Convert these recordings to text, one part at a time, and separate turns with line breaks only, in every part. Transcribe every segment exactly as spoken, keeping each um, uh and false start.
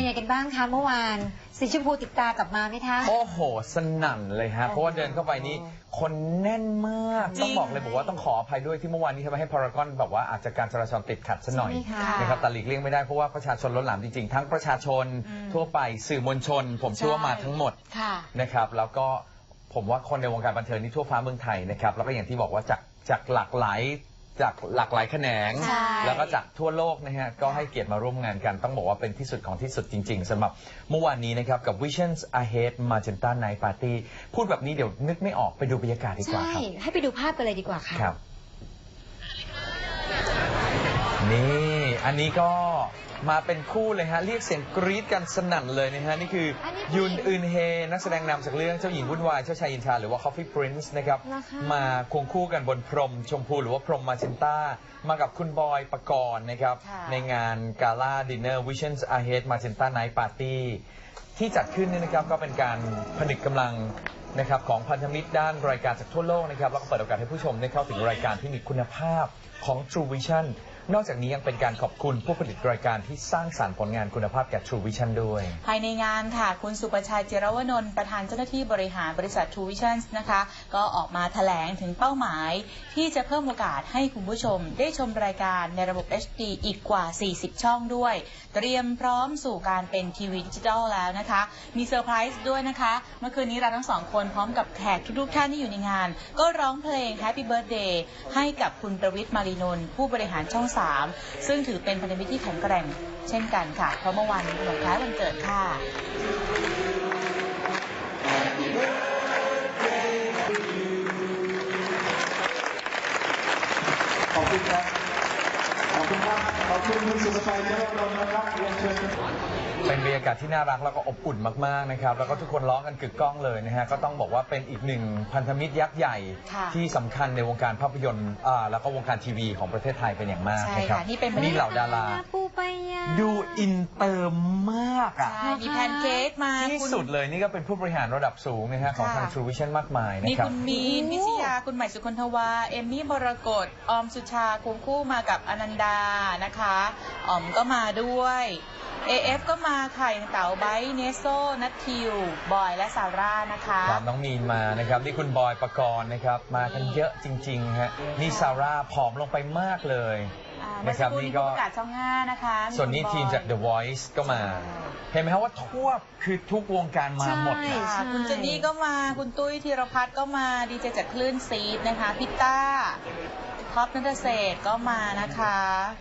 ยังไงกันบ้างคะเมื่อวานสีชมพูติดตากลับมาไหมคะ
โอ้โหสนั่นเลยฮะเพราะว่าเดินเข้าไปนี่คนแน่นมากต้องบอกเลยบอกว่าต้องขออภัยด้วยที่เมื่อวานนี้ทำให้พารากอนแบบว่าอาจจะการจราจรติดขัดซะหน่อยนะครับแต่หลีกเลี่ยงไม่ได้เพราะว่าประชาชนล้นหลามจริงๆทั้งประชาชนทั่วไปสื่อมวลชนผมเชื่อว่ามาทั้งหมดนะครับแล้วก็ผมว่าคนในวงการบันเทิงนี่ทั่วฟ้าเมืองไทยนะครับแล้วก็อย่างที่บอกว่าจากจากหลากหลายจากหลากหลายแขนงแล้วก็จากทั่วโลกนะฮะก็ให้เกียรติมาร่วมงานกันต้องบอกว่าเป็นที่สุดของที่สุดจริงๆสำหรับเมื่อวานนี้นะครับกับ Visions Ahead Magenta Night Party พูดแบบนี้เดี๋ยวนึกไม่ออกไปดูบรรยากาศดีกว่าครับ
ใช่ให้ไปดูภาพกันเลยดีกว่าค่ะ
ครับนี่อันนี้ก็มาเป็นคู่เลยฮะเรียกเสียงกรี๊ดกันสนั่นเลยนะฮะนี่คือยุนอึนเฮนักแสดงนำจากเรื่องเจ้าหญิงวุ่นวายเจ้าชายอินทราหรือว่า Coffee Prince นะครับมาควงคู่กันบนพรมชมพูหรือว่าพรมมาเจนต้ามากับคุณบอยปกรณ์นะครับในงานกาล่าดินเนอร์ Visions Ahead Magenta Night Party ที่จัดขึ้นนี่นะครับก็เป็นการผนึกกำลังนะครับของพันธมิตรด้านรายการจากทั่วโลกนะครับแล้วก็เปิดโอกาสให้ผู้ชมได้เข้าถึงรายการที่มีคุณภาพของ True Visionนอกจากนี้ยังเป็นการขอบคุณผู้ผลิตรายการที่สร้างสรรค์ผลงานคุณภาพแก่ True Vision ด้วย
ภายในงานค่ะคุณสุประชัย เจรวนนท์ประธานเจ้าหน้าที่บริหารบริษัท True Vision นะคะก็ออกมาแถลงถึงเป้าหมายที่จะเพิ่มโอกาสให้คุณผู้ชมได้ชมรายการในระบบ เอช ดี อีกกว่าสี่สิบช่องด้วยเตรียมพร้อมสู่การเป็นทีวีดิจิทัลแล้วนะคะมีเซอร์ไพรส์ด้วยนะคะเมื่อคืนนี้เราทั้งสองคนพร้อมกับแขกทุกๆท่านที่อยู่ในงานก็ร้องเพลง Happy Birthday ให้กับคุณประวิตร มารีนนท์ผู้บริหารช่องสามซึ่งถือเป็นพันธมิตรที่แข็งแกร่งเช่นกันค่ะเพราะเมื่อวานนี้วันคล้ายวันเกิดค่ะ
ขอบคุณครับขอบคุณครับขอบคุณคุณสุภชัยเจริญรนท์นะครับเรียนเชิญ
เป็นบรรยากาศที่น่ารักแล้วก็อบอุ่นมากๆนะครับแล้วก็ทุกคนร้องกันกึกก้องเลยนะฮะก็ต้องบอกว่าเป็นอีกหนึ่งพันธมิตรยักษ์ใหญ่ที่สำคัญในวงการภาพยนตร์อ่าแล้วก็วงการทีวีของประเทศไทยเป็นอย่างมากนะครับ
นี่เป็น
นี่เหล่าดาราดูอินเตอร์มากอ่ะ
มีแพนเค้กมา
ที่สุดเลยนี่ก็เป็นผู้บริหารระดับสูงนะฮะของทาง True Vision มากมายนะครับ
มีคุณมีนพิชยาคุณใหม่สุคนทวาเอมมี่บรกตออมสุชาควงคู่มากับอนันดานะคะออมก็มาด้วย เอ เอฟ ก็มาไข่เต๋าไบท์เนโซนัททิวบอยและซาร่านะคะ
ตามน้องมีนมานะครับนี่คุณบอยปกรณ์นะครับมากันเยอะจริงๆฮะนี่ซาร่าผอมลงไปมากเลย
นะครับนี่ก็ประกาศช่องห้านะคะ
ส่วนนี้ทีมจาก The Voice ก็มาเห็นไหมครับว่าทั่วคือทุกวงการมาหมด
คุณเจนนี่ก็มาคุณตุ้ยธีรพัฒน์ก็มาดีเจจากคลื่นซีดนะคะพิต้าท็อปนัทเศรษฐ์ก็มานะคะ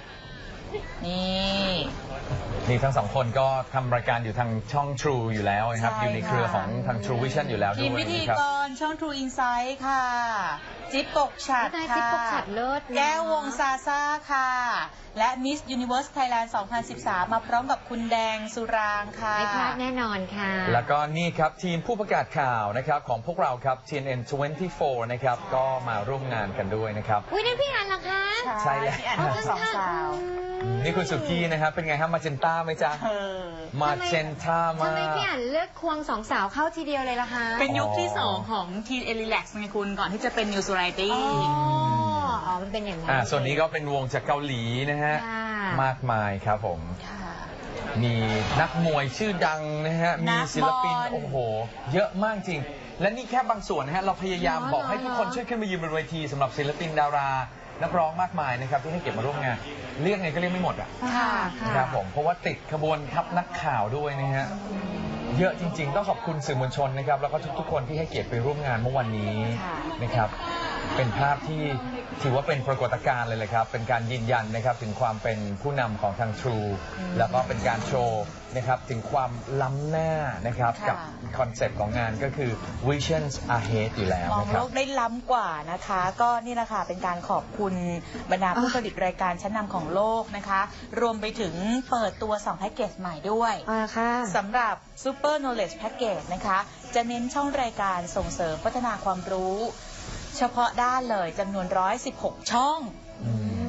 นี่
นี่ทั้งสองคนก็ทำรายการอยู่ทางช่อง True อยู่แล้วนะครับอยู่ในเครือของทาง True Vision อยู่แล้วด้วย
ทีมพิธีกรช่อง True Insight ค่ะจิ๊บปกฉัดค่ะแก้ววงซาซ่าค่ะและ Miss Universe Thailand สองพันสิบสามมาพร้อมกับคุณแดงสุรางค่ะ
ไม่พลาดแน่นอนค่ะ
แล้วก็นี่ครับทีมผู้ประกาศข่าวนะครับของพวกเราครับ ที เอ็น เอ็น ยี่สิบสี่นะครับก็มาร่วมงานกันด้วยนะครับ
อุ้ยนั่นพี่อันเหรอคะ
ใช่แล้ว
สองสาว
นี่คุณสุกี้นะครับเป็นไงครับมาเจนต้าไหมจ๊ะมาเจนต้ามา
ทำไมพี่อันเลือกควงสองสาวเข้าทีเดียวเลยล่ะคะ
เป็นยุคที่สองของทีเอลิแล็กซ์ไงคุณก่อนที่จะเป็นนิวส์ไรตี้
อ๋อมันเป็นอย่างนั้น
อ่าส่วนนี้ก็เป็นวงจากเกาหลีนะฮะมากมายครับผมมีนักมวยชื่อดังนะฮะมีศิลปินโอ้โหเยอะมากจริงและนี่แค่บางส่วนนะฮะเราพยายามบอกให้ทุกคนช่วยขึ้นมายืนบนเวทีสำหรับศิลปินดารานักร้องมากมายนะครับที่ให้เก็บมาร่วมงานเรียกไงก็เรียกไม่หมดอ่ะครับผมเพราะว่าติดขบวนทัพนักข่าวด้วยนะฮะเยอะจริงๆต้องขอบคุณสื่อมวลชนนะครับแล้วก็ทุกๆคนที่ให้เกียรติไปร่วมงานเมื่อวันนี้นะครับเป็นภาพที่ถือว่าเป็นปรากฏการณ์เลยเลยครับเป็นการยืนยันนะครับถึงความเป็นผู้นำของทาง True แล้วก็เป็นการโชว์นะครับถึงความล้ำหน้านะครับกับคอนเซ็ปต์ของงานก็คือ Visions Ahead อยู่แล้ว
มองโลกได้ล้ำกว่านะคะก็นี่แหละค่ะเป็นการขอบคุณบรรดาผู้ผลิตรายการชั้นนำของโลกนะคะรวมไปถึงเปิดตัวสองแพ็กเกจใหม่ด้วยสำหรับ Super Knowledge Package นะคะจะเน้นช่องรายการส่งเสริมพัฒนาความรู้เฉพาะด้านเลยจำนวนหนึ่งร้อยสิบหกช่อง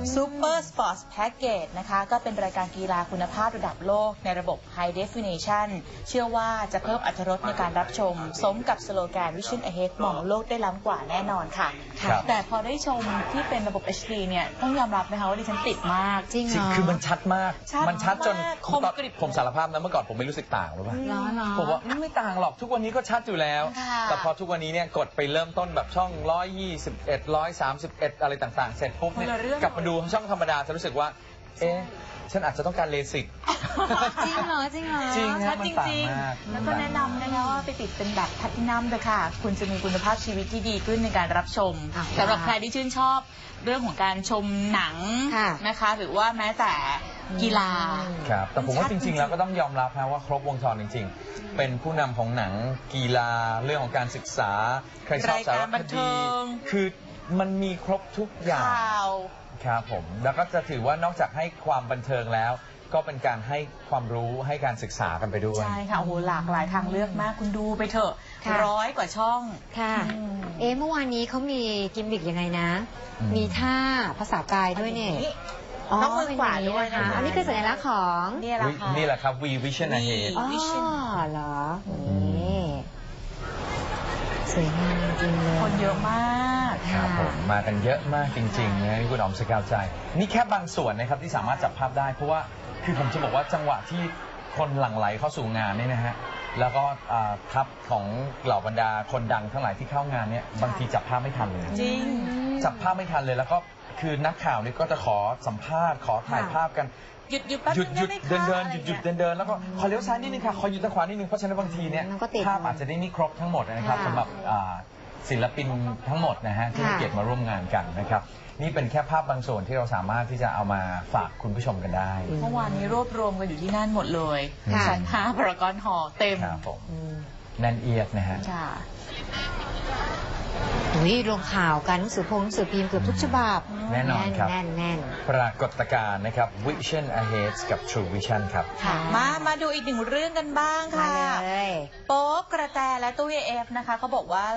Super Sports Package นะคะก็เป็นรายการกีฬาคุณภาพระดับโลกในระบบ High Definition เชื่อว่าจะเพิ่มอรรถรสในการรับชม สมกับสโลแกน Vision Ahead มองโลกได้ล้ำกว่าแน่นอนค่ะ
ครับ
แต่พอได้ชมที่เป็นระบบ เอช ดี เนี่ยต้องยอมรับนะคะว่าดิฉันติดมาก
จริงเหรอ
คือมันชัดมาก
ชัด
มันชัดจน
มากคมกริบ
ผมสารภาพนะเมื่อก่อนผมไม่รู้สึกต่างหรือเปล่า
เหรอเหรอ
ผมว่าไม่ต่างหรอกทุกวันนี้ก็ชัดอยู่แล้ว
ค่ะ
แต่พอทุกวันนี้เนี่ยกดไปเริ่มต้นแบบช่อง หนึ่งร้อยยี่สิบเอ็ด หนึ่งร้อยสามสิบเอ็ด อะไรต่างๆ เสร็จปุ๊บเนี่ย
คนละเรื่อง
กลับมาดูช่องธรรมดาจะรู้สึกว่า เอ๊ะ ฉันอาจจะต้องการเลสิก
จริงเหรอจริงเหรอ
จริง
ชั
ฮะ
ด
มัน
จ
ต่าง
ริง
มาก
ๆ แล้วก็แนะนำนะคะว่าไปติดเป็นแบบแพลตินัมเลยค่ะ คุณจะมีคุณภาพชีวิตที่ดีขึ้นในการรับชม
อ่ะ
สำหรับใครที่ชื่นชอบเรื่องของการชมหนัง
ค่ะ
นะคะ หรือว่าแม้แต่กีฬา
ครับ แต่ผมว่า
ชัด
จ
จริ
ริ
ง
ง
ๆ
ๆ แล้วก็ต้องยอมรับนะว่าครบวงจรจริง ๆ เป็นผู้นำของหนังกีฬาเรื่องของการศึกษา ใครชอบสาร
รายการบั
คน
เทิ
ดี
ง
คือมันมีครบทุกอย่าง
ข่าว
ครับผม แล้วก็จะถือว่านอกจากให้ความบันเทิงแล้ว ก็เป็นการให้ความรู้ให้การศึกษากันไปด้วย
ใช่ค่ะ โอ้โห หลากหลายทางเลือกมาก คุณดูไปเถอะ
ค่ะ
ร้อยกว่าช่อง
ค่ะ
อืม
เอ๊ะเมื่อวานนี้เขามีกิมบิกยังไงนะ
อืม
มีท่าภาษากายด้วยเนี่ย
ต้องมือขวาด้วย
เป็
นะ
นอางนี้นะคะ อันนี้คือสัญลักษณ์ของ
เนี่ยแหละ
อุ๊ย
ค่ะ
นี่แหละครับ We Vision Ahead
อ๋อ
Vision
เหรอนี่สวยงามจริงๆเลย
คนเยอะมาก
ครับผมมากันเยอะมากจริงๆนะคุณอ๋อมสกาวใจ นี่แค่บางส่วนนะครับที่สามารถจับภาพได้ เพราะว่าคือผมจะบอกว่าจังหวะที่คนหลั่งไหลเข้าสู่งานเนี่ยนะฮะแล้วก็อ่าทัพของเหล่าบรรดาคนดังทั้งหลายที่เข้างานเนี่ยบางทีจับภาพไม่ทันเลย
จริง
จับภาพไม่ทันเลยแล้วก็คือนักข่าวนี่ก็จะขอสัมภาษณ์ขอถ่ายภาพกัน
หยุดหยุดแป๊บ
หยุดหยุด
นึง
เดิน
ไไหม
เดิน
คะ
หยุดหยุด
อะไร
เดิ
งี้
นเดินแล้วก็ขอเลี้ยวซ้ายนิดนึงค่ะขอหยุดทางขวานิดนึงเพราะฉะนั้นบางทีเนี่ย
มันก็ติด
ภาพอาจจะได้ไม่ครบทั้งหมดนะครับ
ค่ะ
สำหรับอ่าศิลปินทั้งหมดนะฮะที่ให้
ค่ะ
เกียรติมาร่วมงานกันนะครับนี่เป็นแค่ภาพบางส่วนที่เราสามารถที่จะเอามาฝากคุณผู้ชมกันได้
เมื่อวานนี้รวบรวมกันอยู่ที่นั่นหมดเลย
ค่ะ
ชั้นห้าพารากอนหอเต็ม
ครับผม
อืม
แน่นเอียดนะฮะ
ค่ะ
อุ้ยลงข่าวกันหนังสือพงหนังสือพิมพ์เกือบทุกฉบับ
แน่นอนครับ
แน่นแน่น
ปรากฏการณ์นะครับ Vision Ahead กับ True Vision ครับ
ค่ะ มา มาดูอีกหนึ่งเรื่องกันบ้าง
มา
ค่ะ
เลย
โป๊ปกระแตและตู้เอฟนะคะเขาบอกว่า